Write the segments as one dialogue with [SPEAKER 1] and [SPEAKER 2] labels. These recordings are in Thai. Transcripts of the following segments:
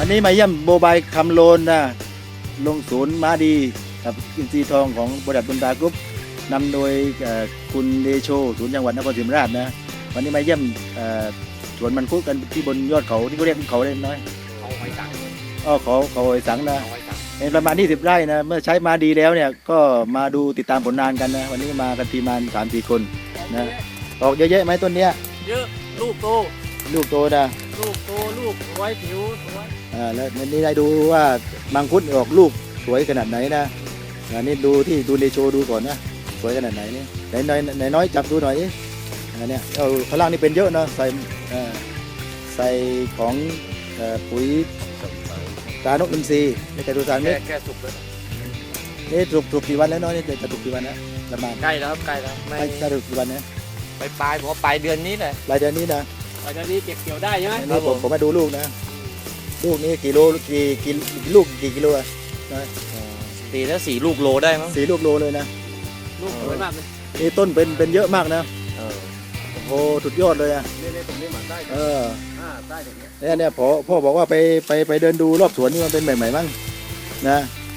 [SPEAKER 1] วันนี้มาเยี่ยมโบบายคำโลนนะลงศูนย์ม้าดีกับอินทรีทองของบริษัทบุญตากรุ๊ปนำโดยคุณเดโชศูนย์จังหวัดนครศรีธรรมราชนะวันนี้มาเยี่ยมสวนมันคุกันที่บนยอดเขาที่เขาเรียกเขาเล็กน้อย
[SPEAKER 2] เขาหอยสัง
[SPEAKER 1] เขาหอยสังนะ
[SPEAKER 2] เขาหอยสัง
[SPEAKER 1] เป็นประมาณ20 ไร่นะเมื่อใช้มาดีแล้วเนี่ยก็มาดูติดตามผลงานกันนะวันนี้มากันทีมงาน3-4 คนนะออกเยอะแยะไหมต้นเนี้ย
[SPEAKER 2] เยอะลูกโต
[SPEAKER 1] ลูกโตนะ
[SPEAKER 2] ลูกสวยผิวสวย
[SPEAKER 1] แล้วนี่ได้ดูว่ามังคุดออกลูกสวยขนาดไหนนะอันนี้ดูที่ดูในโชว์ดูก่อนนะสวยขนาดไหนนี่ไหนน้อยจับดูหน่อยดิอันเนี้ยข้างล่างนี่เป็นเยอะนะใส่ของปุ๋ยตานกอินทรีย์ในกระดูกสารเม็ด
[SPEAKER 2] แก่สุกแล้ว
[SPEAKER 1] นี่ถูกกี่วันแล้วน้อยนี่จะถูกกี่วันนะประมาณ
[SPEAKER 2] ใกล้แล้วครับใกล้แล้วไม่
[SPEAKER 1] จะถูกกี่วันนะ
[SPEAKER 2] ปลายผมว่าปลายเดือนนี้เลย
[SPEAKER 1] ปลายเดือนนี้นะ
[SPEAKER 2] ปลายเดือนนี้เก็บเกี่ยวได้ใช่ไหม
[SPEAKER 1] นี่ผมมาดูลูกนะลูกนี้กี่โลกี่ลูกกี่กิโลอะ
[SPEAKER 2] ตีแล้ว4 ลูกโลได้มั้ง
[SPEAKER 1] 4 ลูกโลเลยนะ
[SPEAKER 2] ลูกสวยมากเลย
[SPEAKER 1] นี่ต้นเป็นเยอะมากนะโอ้โหสุดยอดเลยอ่ะ
[SPEAKER 2] นี่ตรงนี้หมันได้ได้ตรงนี้
[SPEAKER 1] เนี่ยพ่อบอกว่าไปเดินดูรอบสวนนี่มันเป็นใหม่ๆมั้งนะ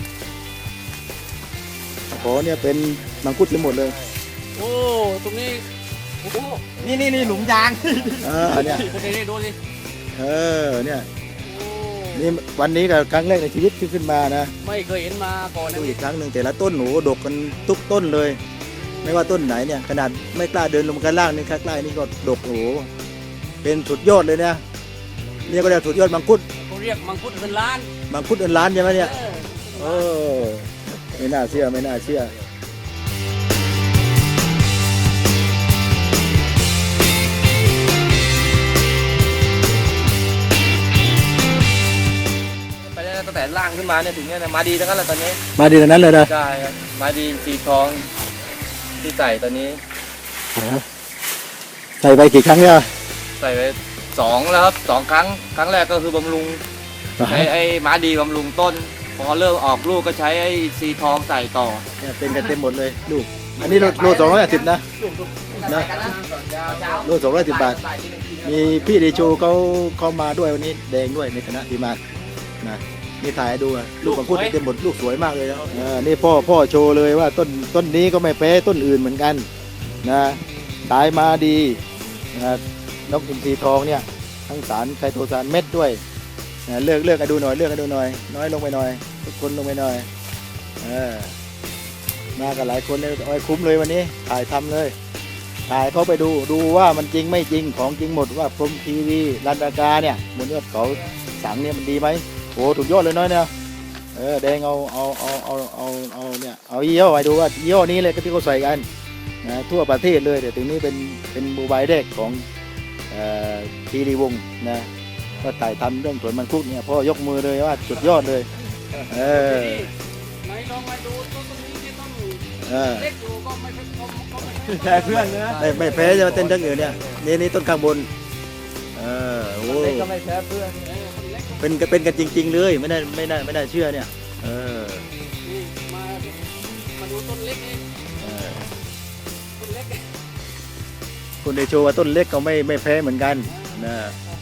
[SPEAKER 1] โอ้เนี่ยเป็นมังคุดทั้งหมดเลย
[SPEAKER 2] โอ้ตรงนี้โอ้นี่หลุมยาง
[SPEAKER 1] เนี่ย
[SPEAKER 2] ดูสิ
[SPEAKER 1] เนี่ยนี่วันนี้กับครั้งแรกในชีวิตที่ขึ้นมานะ
[SPEAKER 2] ไม่เคยเห็นมาก่อน
[SPEAKER 1] ดูอีกครั้งหนึ่งแต่ละต้นหนูดกกันทุกต้นเลยไม่ว่าต้นไหนเนี่ยขนาดไม่กล้าเดินลงมาข้างล่างนี่ข้างใต้นี่ก็ดกโอ้เป็นสุดยอดเลยนะนี่ก็เรียกสุดยอดมังคุด
[SPEAKER 2] เขาเรียกมังคุดเงินล้าน
[SPEAKER 1] มังคุดเงินล้านใช่ไหมเนี่ยไม่น่าเชื่อ
[SPEAKER 2] ไปได้ตั้งแต่ล่างขึ้นมาเนี่ยถึงเนี่ยมาดีทั้งนั้นเลยตอนนี้
[SPEAKER 1] มาดีทั้งนั้นเลยนะ
[SPEAKER 2] ใช่ครับมาดีสีทองที่ใส่ตอนนี้
[SPEAKER 1] ใส่ไปกี่ครั้งเนี่ย
[SPEAKER 2] ใส่ไป2แล้วครับ2 ครั้งแรกก็คือบำรุงใช้ไอ้ม้าดีบำรุงต้นพอเริ่มออกลูกก็ใช้ไอ้สีทองใส่ต่อ
[SPEAKER 1] เนี่ยเป็นกันเต็มหมดเลยลูกอันนี้โล210นะโล210 บาทมีพี่เดโชเขามาด้วยวันนี้แดงด้วยในคณะทีมงานนะนี่ถ่ายให้ดูลูกมังคุดเต็มหมดลูกสวยมากเลยนะนี่พ่อโชว์เลยว่าต้นนี้ก็ไม่แพ้ต้นอื่นเหมือนกันนะตายมาดีนะนกอินทรีทองเนี่ยทั้งสารไคโตซานเม็ดด้วยเลือกให้ดูหน่อยน้อยลงไปหน่อยทุกคนลงไปหน่อยมากันหลายคนเลยคุ้มเลยวันนี้ถ่ายทำเลยถ่ายเขาไปดูว่ามันจริงไม่จริงของจริงหมดว่าพรหมทีวีรันดากาเนี่ยบนยอดเขาสังเนี่ยมันดีไหมโอ้ถูกยอดเลยน้อยเนี่ยแดงเอาเนี่ยเอายี่ห้อไปดูว่ายี่ห้อนี้เลยก็ที่เขาใส่กันนะทั่วประเทศเลยแต่ตรงนี้เป็นโมบายแรกของทีรีวงนะก็ถ่ายทำเรื่องสวนมังคุดเนี่ยพ่อยกมือเลยว่าสุดยอดเลย
[SPEAKER 2] ไหนลองมาดูต้นนี้ที่ต้องเล็กดูก็ไม่
[SPEAKER 1] แพ้เพื่อนนะไม่แพ้จะมาเต้นทั้งอื่นเนี่ยนี่ต้นข้างบน
[SPEAKER 2] เล็กก็ไม่แพ้เพื่อน
[SPEAKER 1] เป็นกันจริงๆเลยไม่ได้เชื่อเนี่ย
[SPEAKER 2] มาดูต้นเล็กนี่ต้นเล็ก
[SPEAKER 1] คุณเดโชว่าต้นเล็กก็ไม่แพ้เหมือนกันนะ